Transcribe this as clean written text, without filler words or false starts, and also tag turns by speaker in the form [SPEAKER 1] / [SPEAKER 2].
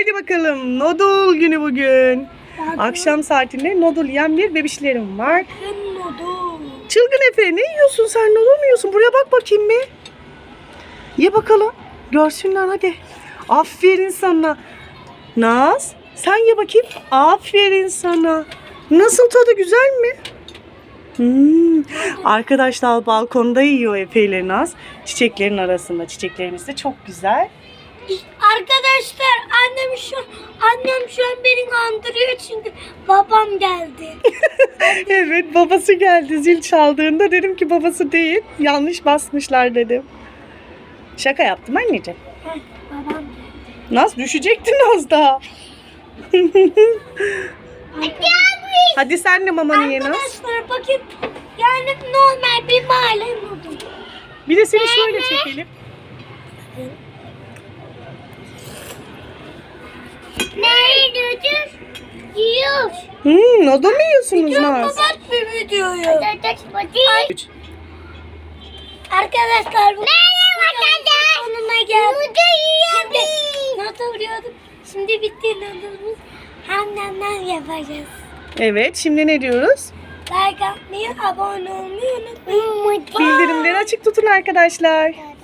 [SPEAKER 1] Hadi bakalım. Noodle günü bugün. Akşam saatinde noodle yiyen bir bebişlerim var.
[SPEAKER 2] Noodle.
[SPEAKER 1] Çılgın Efe, ne yiyorsun sen? Noodle mu yiyorsun? Buraya bak bakayım bir. Ye bakalım. Görsünler hadi. Aferin sana. Naz, sen ye bakayım. Aferin sana. Nasıl, tadı güzel mi? Arkadaşlar balkonda yiyor Efe ile Naz. Çiçeklerin arasında. Çiçeklerimiz de çok güzel.
[SPEAKER 2] Arkadaşlar annem şu an beni kandırıyor çünkü babam geldi.
[SPEAKER 1] Evet, babası geldi zil çaldığında, dedim ki babası değil, yanlış basmışlar dedim. Şaka yaptım anneciğim.
[SPEAKER 2] Babam geldi.
[SPEAKER 1] Naz düşecektin az daha. Hadi sen de mamanı ye Naz.
[SPEAKER 2] Arkadaşlar bakın, yani normal bir mahalle noodle.
[SPEAKER 1] Bir de seni şöyle çekelim.
[SPEAKER 2] Nerede yiyor?
[SPEAKER 1] Noodle mu yiyorsunuz Naz?
[SPEAKER 2] Kapat bir videoyu. Arkadaşlar bu sonuna geldik. Şimdi noodle yiyorduk. Şimdi bitti noodle'ımız. Hem yapacağız.
[SPEAKER 1] Evet, şimdi ne diyoruz?
[SPEAKER 2] Like atmayı, abone olmayı unutmayın.
[SPEAKER 1] Bildirimleri açık tutun arkadaşlar.